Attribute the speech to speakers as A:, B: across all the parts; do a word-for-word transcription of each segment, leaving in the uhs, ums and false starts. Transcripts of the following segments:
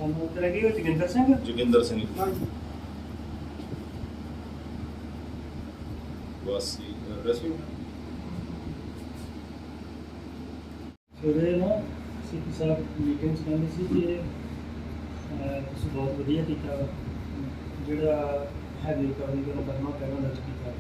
A: ਸਾਨੂੰ ਉੱਤੇ ਲੱਗੀ ਹੋਈ ਜੋਗਿੰਦਰ ਸਿੰਘ
B: ਜੋਗਿੰਦਰ ਸਿੰਘ
A: ਹਾਂਜੀ
B: ਵਾਸੀ ਰੈਸਕਿਊ
A: ਸਵੇਰੇ ਨਾ ਸੀਪੀ ਸਾਹਿਬ ਮੀਟਿੰਗ 'ਚ ਕਹਿੰਦੇ ਸੀ ਕਿ ਅਹ, ਤੁਸੀਂ ਬਹੁਤ ਵਧੀਆ ਕੀਤਾ ਵਾ। ਜਿਹੜਾ ਹੈਵੀ ਰਿਕਵਰੀ ਦਾ ਮੁਕੱਦਮਾ ਪਹਿਲਾਂ ਦਰਜ ਕੀਤਾ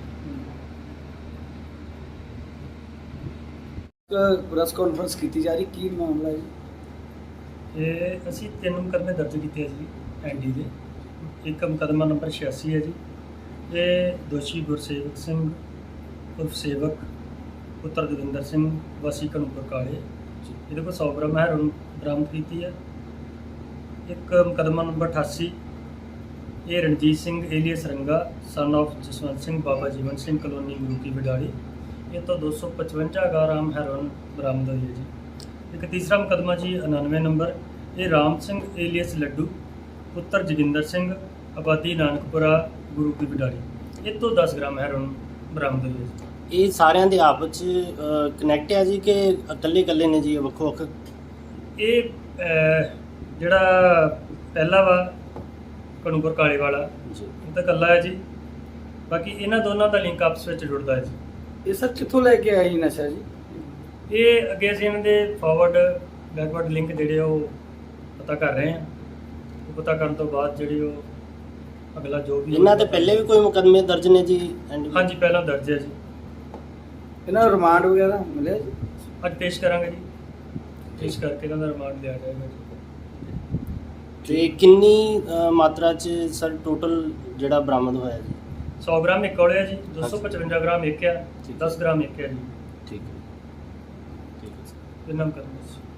C: ਪ੍ਰੈਸ ਕਾਨਫਰੰਸ ਕੀਤੀ ਜਾ ਰਹੀ, ਕੀ ਮਾਮਲਾ ਹੈ ਜੀ?
A: ਇਹ ਅਸੀਂ ਤਿੰਨ ਮੁਕੱਦਮੇ ਦਰਜ ਕੀਤੇ ਆ ਜੀ ਐਨ ਡੀ ਦੇ। ਇੱਕ ਮੁਕੱਦਮਾ ਨੰਬਰ ਛਿਆਸੀ ਹੈ ਜੀ, ਇਹ ਦੋਸ਼ੀ ਗੁਰਸੇਵਕ ਸਿੰਘ ਉਰਫ ਸੇਵਕ ਪੁੱਤਰ ਜੋਗਿੰਦਰ ਸਿੰਘ ਵਾਸੀ ਘਣੂਪੁਰ ਕਾਲੇ, ਇਹਦੇ ਕੋਲ ਸੌ ਗ੍ਰਾਮ ਹੈਰੋਇਨ ਬਰਾਮਦ ਕੀਤੀ ਹੈ। ਇੱਕ ਮੁਕੱਦਮਾ ਨੰਬਰ ਅਠਾਸੀ, ਇਹ Ranjit Singh alias Ranga son of Jaswant Singh Baba Jeevan Singh colony Guruki Wadali, ਇਹ ਤੋਂ ਦੋ ਸੌ ਪਚਵੰਜਾ ਗ੍ਰਾਮ ਹੈਰੋਇਨ ਬਰਾਮਦ ਹੋਈ ਹੈ ਜੀ। ਇੱਕ ਤੀਸਰਾ ਮੁਕੱਦਮਾ ਜੀ ਉਣਾਨਵੇਂ ਨੰਬਰ, ਇਹ ਰਾਮ ਸਿੰਘ ਏਲੀਅਸ ਲੱਡੂ ਪੁੱਤਰ ਜੋਗਿੰਦਰ ਸਿੰਘ ਆਬਾਦੀ ਨਾਨਕਪੁਰਾ ਗੁਰੂ ਕੀ ਵਿਡਾਲੀ, ਇਹ ਤੋਂ ਦਸ ਗ੍ਰਾਮ ਹੈਰੋਇਨ ਬਰਾਮਦ ਹੋਈ ਹੈ ਜੀ।
D: ਇਹ ਸਾਰਿਆਂ ਦੇ ਆਪਸ ਵਿੱਚ ਕਨੈਕਟ ਹੈ ਜੀ ਕਿ ਇਕੱਲੇ ਇਕੱਲੇ ਨੇ ਜੀ ਵੱਖੋ ਵੱਖ?
A: ਇਹ ਅਹ, ਜਿਹੜਾ ਪਹਿਲਾ ਵਾ ਘਣੂਪੁਰ ਕਾਲੇ ਵਾਲਾ,
D: ਜੀ
A: ਇਹ ਤਾਂ ਇਕੱਲਾ ਹੈ ਜੀ। ਬਾਕੀ ਇਹਨਾਂ ਦੋਨਾਂ ਦਾ ਲਿੰਕ ਆਪਸ ਵਿੱਚ ਜੁੜਦਾ ਹੈ ਜੀ।
C: ਇਹ ਸਰ ਕਿੱਥੋਂ ਲੈ ਕੇ ਆਇਆ ਜੀ ਨਸ਼ਾ ਜੀ?
A: ਇਹ ਅੱਗੇ ਅਸੀਂ ਇਹਨਾਂ ਦੇ ਫਾਰਵਰਡ ਬੈਕਵਰਡ ਲਿੰਕ ਜਿਹੜੇ ਉਹ ਪਤਾ ਕਰ ਰਹੇ ਹਾਂ। ਉਹ ਪਤਾ ਕਰਨ ਤੋਂ ਬਾਅਦ ਜਿਹੜੇ ਉਹ ਅਗਲਾ ਜੋ ਵੀ
D: ਇਹਨਾਂ ਦੇ ਪਹਿਲੇ ਵੀ ਕੋਈ ਮੁਕੱਦਮੇ ਦਰਜ ਨੇ ਜੀ? ਐਂਡ
A: ਹਾਂਜੀ ਪਹਿਲਾਂ ਦਰਜ ਹੈ ਜੀ।
C: ਇਹਨਾਂ ਨੂੰ ਰਿਮਾਂਡ ਵਗੈਰਾ ਮਿਲਿਆ ਜੀ?
A: ਅੱਜ ਪੇਸ਼ ਕਰਾਂਗੇ ਜੀ, ਪੇਸ਼ ਕਰਕੇ ਇਹਨਾਂ ਦਾ ਰਿਮਾਂਡ ਲਿਆ ਜਾਏਗਾ ਜੀ।
D: ਤੇ ਕਿੰਨੀ ਅ, ਮਾਤਰਾ 'ਚ ਸਰ ਟੋਟਲ ਜਿਹੜਾ ਬਰਾਮਦ ਹੋਇਆ ਜੀ?
A: ਸੌ ਗ੍ਰਾਮ ਇੱਕ ਕੋਲੇ ਹੈ ਜੀ, ਦੋ ਸੌ ਪਚਵੰਜਾ ਗ੍ਰਾਮ ਇੱਕ ਆ,
D: ਠੀਕ।
A: ਦਸ ਗ੍ਰਾਮ ਇੱਕ ਹੈ ਜੀ।
D: ਠੀਕ ਹੈ ਠੀਕ ਹੈ ਸਰ।
A: ਇਹਨਾਂ ਮੁਕੱਦਮੇ 'ਚ